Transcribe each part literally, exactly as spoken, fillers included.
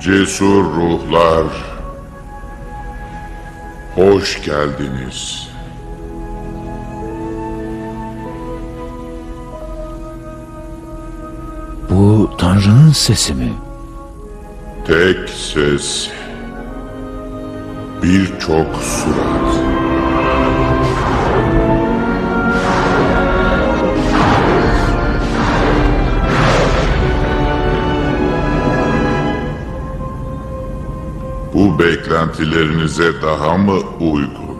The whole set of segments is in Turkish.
Cesur ruhlar, hoş geldiniz. Bu Tanrı'nın sesi mi? Tek ses, birçok surat. Bu beklentilerinize daha mı uygun?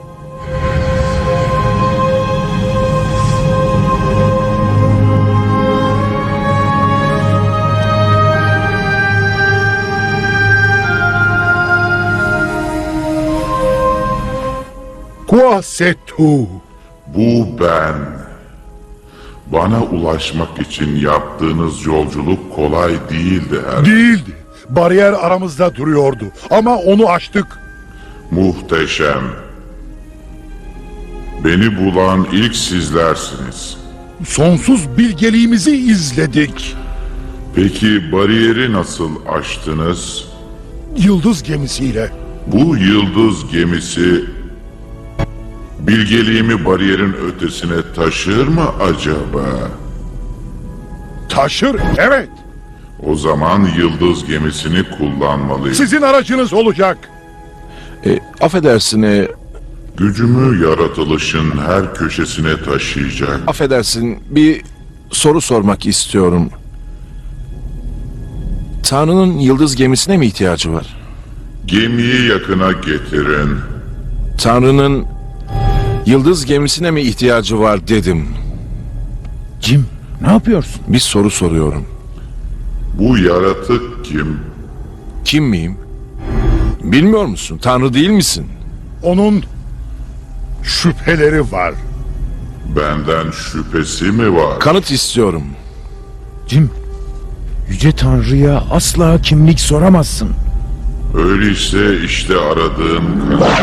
Quoi c'est tout? Bu ben. Bana ulaşmak için yaptığınız yolculuk kolay değildi her. Değildi. Bariyer aramızda duruyordu. Ama onu aştık. Muhteşem. Beni bulan ilk sizlersiniz. Sonsuz bilgeliğimizi izledik. Peki bariyeri nasıl aştınız? Yıldız gemisiyle. Bu yıldız gemisi bilgeliğimi bariyerin ötesine taşır mı acaba? Taşır, evet. O zaman yıldız gemisini kullanmalıyım. Sizin aracınız olacak. E, affedersin, e, Gücümü yaratılışın her köşesine taşıyacak. affedersin bir soru sormak istiyorum. Tanrı'nın yıldız gemisine mi ihtiyacı var? Gemiyi yakına getirin. Tanrı'nın yıldız gemisine mi ihtiyacı var dedim. Jim, ne yapıyorsun? Bir soru soruyorum. Bu yaratık kim? Kim miyim? Bilmiyor musun? Tanrı değil misin? Onun şüpheleri var. Benden şüphesi mi var? Kanıt istiyorum. Jim, Yüce Tanrı'ya asla kimlik soramazsın. Öyleyse işte aradığım kanıt.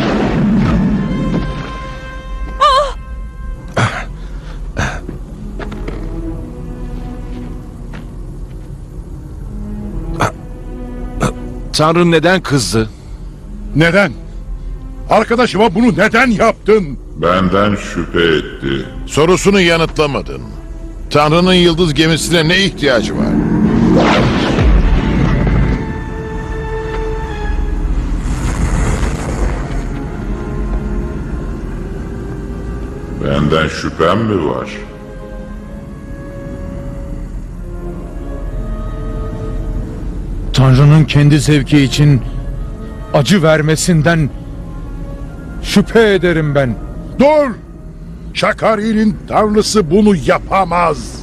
Tanrı neden kızdı? Neden? Arkadaşıma bunu neden yaptın? Benden şüphe etti. Sorusunu yanıtlamadın. Tanrı'nın yıldız gemisine ne ihtiyacı var? Benden şüphem mi var? Tanrı'nın kendi zevki için acı vermesinden şüphe ederim ben. Dur! Şakari'nin tanrısı bunu yapamaz.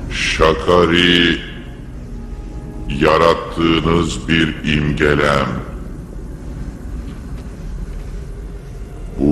Şakari, yarattığınız bir imgelem.